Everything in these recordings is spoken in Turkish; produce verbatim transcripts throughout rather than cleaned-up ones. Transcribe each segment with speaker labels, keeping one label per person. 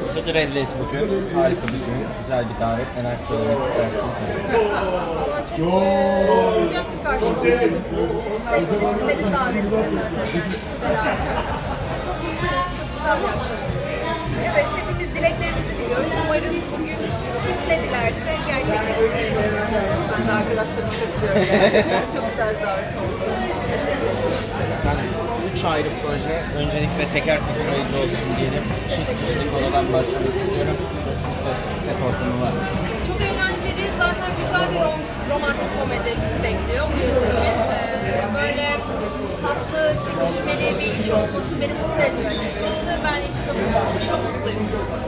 Speaker 1: Hıdrellez bugün. Harika bir gün. Güzel bir davet. Neler söylemek istersiniz?
Speaker 2: Çok sıcak bir karşılık oldu bizim için. Sevgili Sibel'in davetine zaten geldik. Sibel harika. Çok mutluyuz. Çok güzel bir akşam. Evet, hepimiz dileklerimizi diliyoruz. Umarız bugün kim ne dilerse gerçekleşir. Ben de arkadaşlarıma katılıyorum. Gerçekten çok güzel bir davet oldu. Teşekkür ederiz.
Speaker 1: Ben üç ayrı proje. Öncelikle teker teker hayırlı olsun diyelim. Çift kişilik oladan başlamak istiyorum. Nasıl bir set, set ortamı var?
Speaker 2: Çok eğlenceli, zaten güzel bir rom romantik komedi bizi bekliyor bu yıl için. Ee, böyle tatlı, çekişmeli bir iş olması beni mutlu ediyor açıkçası. Ben içinde bulunduğum için çok mutluyum.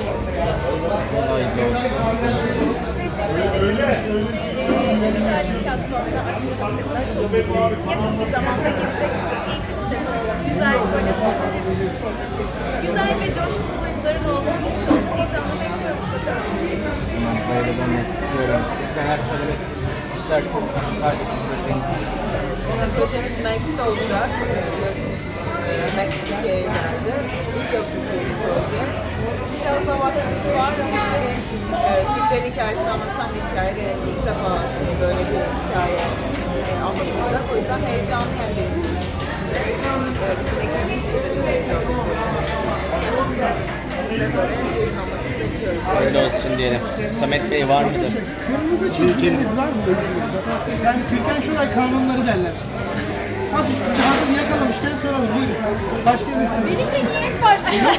Speaker 1: Hayırlı olsun.
Speaker 2: Teşekkür ederiz. Şimdi e, dijital bir platformda Aşkı Hatırla çok yakın bir zamanda gelecek çok keyifli bir set oldu. Güzel, böyle pozitif, güzel ve coşkulu duyguların olduğu bir iş oldu. Heyecanla bekliyoruz bakalım.
Speaker 1: Hemen böyle dönmek istiyorum. Siz neler söylemek istersiniz? Aşıklardaki projenizi.
Speaker 3: Bizim projemiz Max'te olacak. Biliyorsunuz e, Max Türkiye'ye geldi. İlk Gökçük'te bir proje. Bizim biraz daha vaktimiz var ama hani e, Türklerin hikayesini anlatan bir hikaye ve ilk defa e, böyle bir hikaye e, anlatılacak. O yüzden heyecanlı yani benim için. Şimdi, e, bizim ekibimiz için de çok heyecanlı bir proje. Olunca biz de böyle ürün olmasını bekliyoruz.
Speaker 1: Hayırlı olsun diyelim. Samet Bey var mıdır?
Speaker 4: Kırmızı çizgileriniz var mı oyunculukta? Yani Türkan Şoray kanunları derler. Hadi sizi hazır yakalamışken soralım. Buyurun. Başlayalım size.
Speaker 2: Benim de niye hep başlıyor?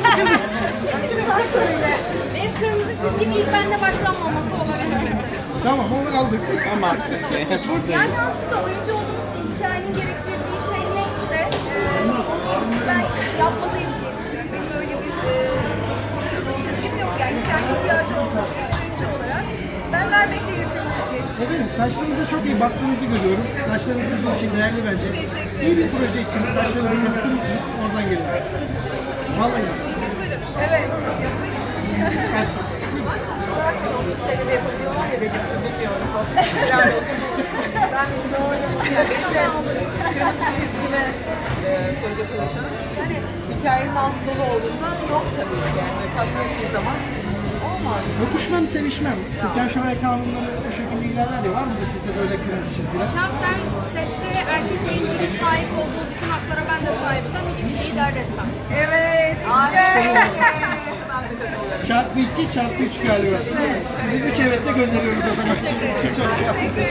Speaker 2: Sen söyle. Benim kırmızı çizgim ilk bende başlanmaması olabilir mesela.
Speaker 4: Tamam onu aldık.
Speaker 1: Ama
Speaker 2: Yani aslında oyuncu olduğumuz hikayenin gerektirdiği şey neyse e, onu belki yapmalıyız diye düşünüyorum. Benim öyle bir e, kırmızı çizgim yok. Yani hikayenin ihtiyacı olmuş bir oyuncu olarak ben vermekle yükümlüyüm diye düşünüyorum.
Speaker 4: Efendim saçlarınıza çok iyi baktığınızı görüyorum. Saçlarınız sizin için değerli bence.
Speaker 2: Teşekkür
Speaker 4: İyi bir proje için saçlarınızı kısıtır mısınız? Oradan gelin. Vallahi.
Speaker 2: Evet, yaparım.
Speaker 4: Başlayalım.
Speaker 3: Ama sonuç olarak da onun şeyleri de yapabiliyorlar ya benim için bilmiyorum. Helal olsun. Ben bir düşündüm çünkü ya benim de kırmızı çizgime e, söyleyecek olursanız yani hikayenin altı dolu olduğunda yok tabii ki yani böyle tatmin ettiği zaman olmaz.
Speaker 4: Öpüşmem, sevişmem. Türkan Şoray kanunları o şekilde ilerler ya. Var mıdır sizde böyle kırmızı çizgiler?
Speaker 2: Şahsen sette erkek oyuncunun sahip olduğu bütün haklara ben de sahipsem hiçbir şeyi dert etmem. Evet, işte.
Speaker 3: Ben de katılıyorum.
Speaker 4: Çarpı iki, çarpı üç galiba. Sizi üç evetle gönderiyoruz o zaman.
Speaker 2: Teşekkür ederim.
Speaker 4: Çok sağ olun.